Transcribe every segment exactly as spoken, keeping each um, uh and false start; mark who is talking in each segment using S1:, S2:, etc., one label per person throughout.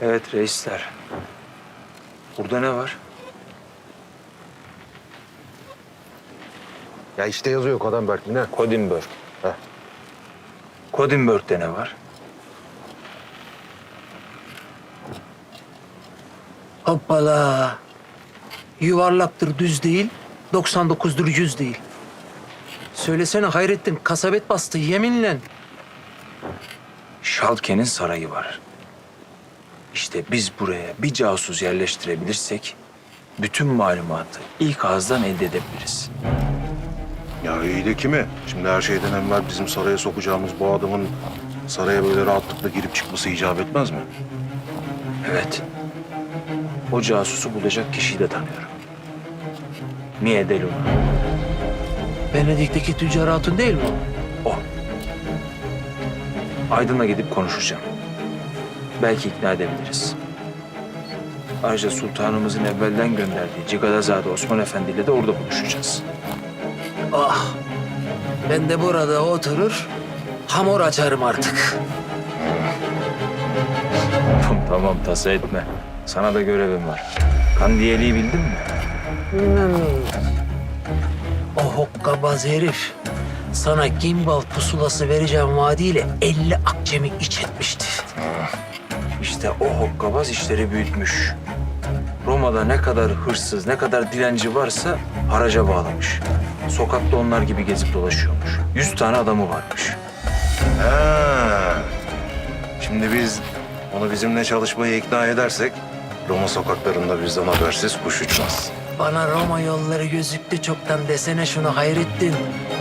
S1: Evet reisler. Burada ne var?
S2: Ya işte yazıyor Kodamberg mi ne?
S1: Kodinberg.
S2: Heh.
S1: Kodinberg'de ne var?
S3: Hoppala. Yuvarlaktır, düz değil. doksan dokuzdur, yüz değil. Söylesene Hayrettin, kasabet bastı yeminle.
S1: Şalke'nin sarayı var. İşte biz buraya bir casus yerleştirebilirsek bütün malumatı ilk ağızdan elde edebiliriz.
S2: Ya iyi de kimi? Şimdi her şeyden evvel bizim saraya sokacağımız bu adamın saraya böyle rahatlıkla girip çıkması icap etmez mi?
S1: Evet. O casusu bulacak kişiyi de tanıyorum. Mie de Luna.
S3: Venedik'teki tüccar hatun değil mi o?
S1: O. Aydın'la gidip konuşacağım. Belki ikna edebiliriz. Ayrıca sultanımızın evvelden gönderdiği Cigadazade Osman Efendi ile de orada buluşacağız.
S3: Ah. Ben de burada oturur, hamur açarım artık.
S1: Tamam tamam tasa etme. Sana da görevim var. Kandiyeli'yi bildin mi?
S3: Hmm. O hokkabaz herif sana gimbal pusulası vereceğim vaadiyle elli akçemi iç etmişti.
S1: İşte o hokkabaz işleri büyütmüş. Roma'da ne kadar hırsız, ne kadar dilenci varsa haraca bağlamış. Sokakta onlar gibi gezip dolaşıyormuş. Yüz tane adamı varmış.
S2: Ha. Şimdi biz onu bizimle çalışmaya ikna edersek Roma sokaklarında bizden habersiz kuş uçmaz.
S3: Bana Roma yolları gözüktü çoktan desene şunu Hayrettin.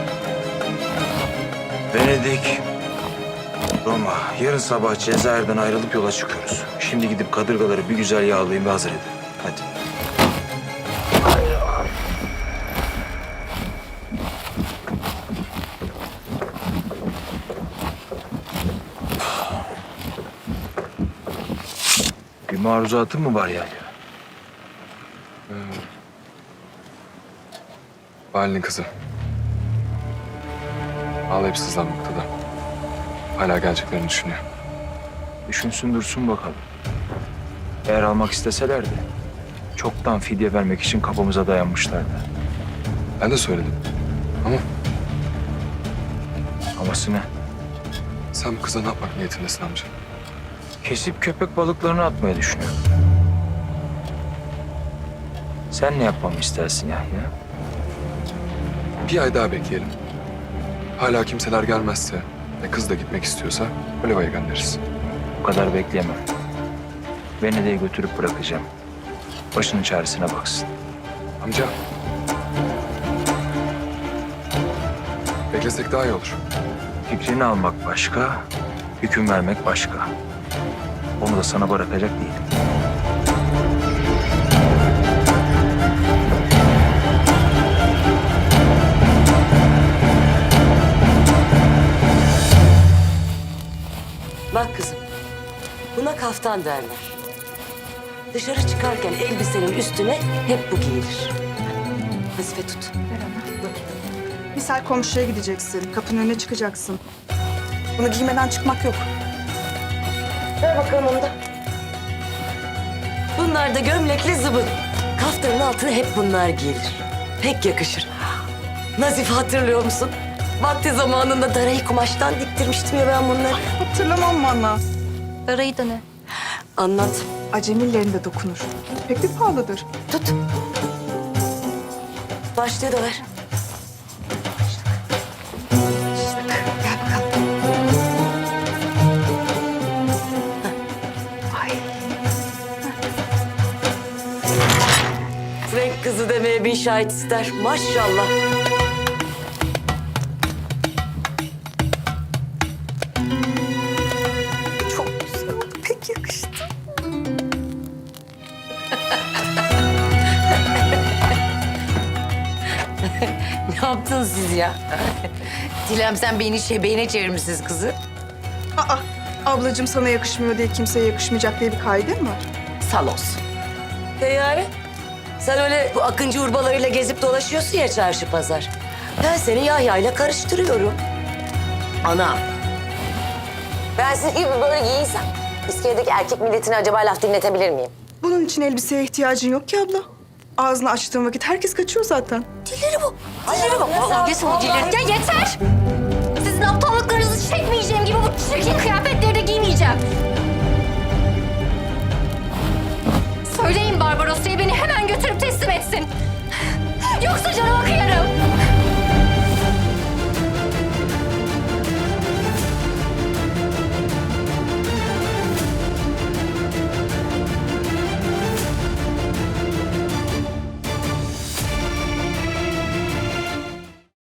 S1: Venedik, Roma. Yarın sabah Cezayir'den ayrılıp yola çıkıyoruz. Şimdi gidip kadırgaları bir güzel yağlayayım ve hazır edin. Hadi. Bir maruzatın mı var yani?
S4: Valinin kızı. Ağlayıp sızlanmakta da. Hala geleceklerini düşünüyor.
S1: Düşünsün dursun bakalım. Eğer almak isteselerdi çoktan fidye vermek için kapımıza dayanmışlardı.
S4: Ben de söyledim. Ama
S1: Aması ne?
S4: sen bu kıza ne yapmak niyetindesin amca?
S1: Kesip köpek balıklarını atmayı düşünüyorum. Sen ne yapmamı istersin Yahya?
S4: Bir ay daha bekleyelim. Hala kimseler gelmezse ve kız da gitmek istiyorsa Oliva'ya göndeririz.
S1: Bu kadar bekleyemem. Venedik'e götürüp bırakacağım. Başının çaresine baksın.
S4: Amca. Beklesek daha iyi olur.
S1: Fikrini almak başka, hüküm vermek başka. Onu da sana bırakacak değilim.
S5: Bak kızım, buna kaftan derler. Dışarı çıkarken elbisenin üstüne hep bu giyilir. Nazife tut.
S6: Misal komşuya gideceksin, kapının önüne çıkacaksın. Bunu giymeden çıkmak yok.
S5: Ver bakalım onu da. Bunlar da gömlekli zıbın. Kaftanın altına hep bunlar giyilir. Pek yakışır. Nazife hatırlıyor musun? Vakti zamanında darayı kumaştan diktirmiştim ya ben bunları.
S6: Hatırlamam valla.
S7: Darayı da ne?
S5: Anlat.
S6: Acemilerinde dokunur. Pek bir pahalıdır.
S5: Tut. Başlığı da ver.
S6: Gel bakalım. Ay.
S5: Frank kızı demeye bin şahit ister. Maşallah.
S6: Çok güzel oldu. Pek yakıştı.
S8: Ne yaptınız siz ya? Dilem sen beni şebeğine çevirmişsiniz kızı.
S6: Aa, ablacığım sana yakışmıyor diye kimseye yakışmayacak diye bir kaide mi var?
S8: Sal olsun.
S5: E yani? Sen öyle bu akıncı urbalarıyla gezip dolaşıyorsun ya çarşı pazar. Ben seni Yahya'yla karıştırıyorum. Ana. Ben sizin gibi böyle giyinsem İskeledeki erkek milletine acaba laf dinletebilir miyim?
S6: Bunun için elbiseye ihtiyacın yok ki abla. Ağzını açtığın vakit herkes kaçıyor zaten.
S5: Dilleri bu. Dilleri bu. Vallahi
S7: Kes o dilleri. Ya yeter! Sizin aptallıklarınızı çekmeyeceğim gibi bu çirkin kıyafetleri de giymeyeceğim. Söyleyin Barbaros'ya beni hemen götürüp teslim etsin. Yoksa canıma kıyamam.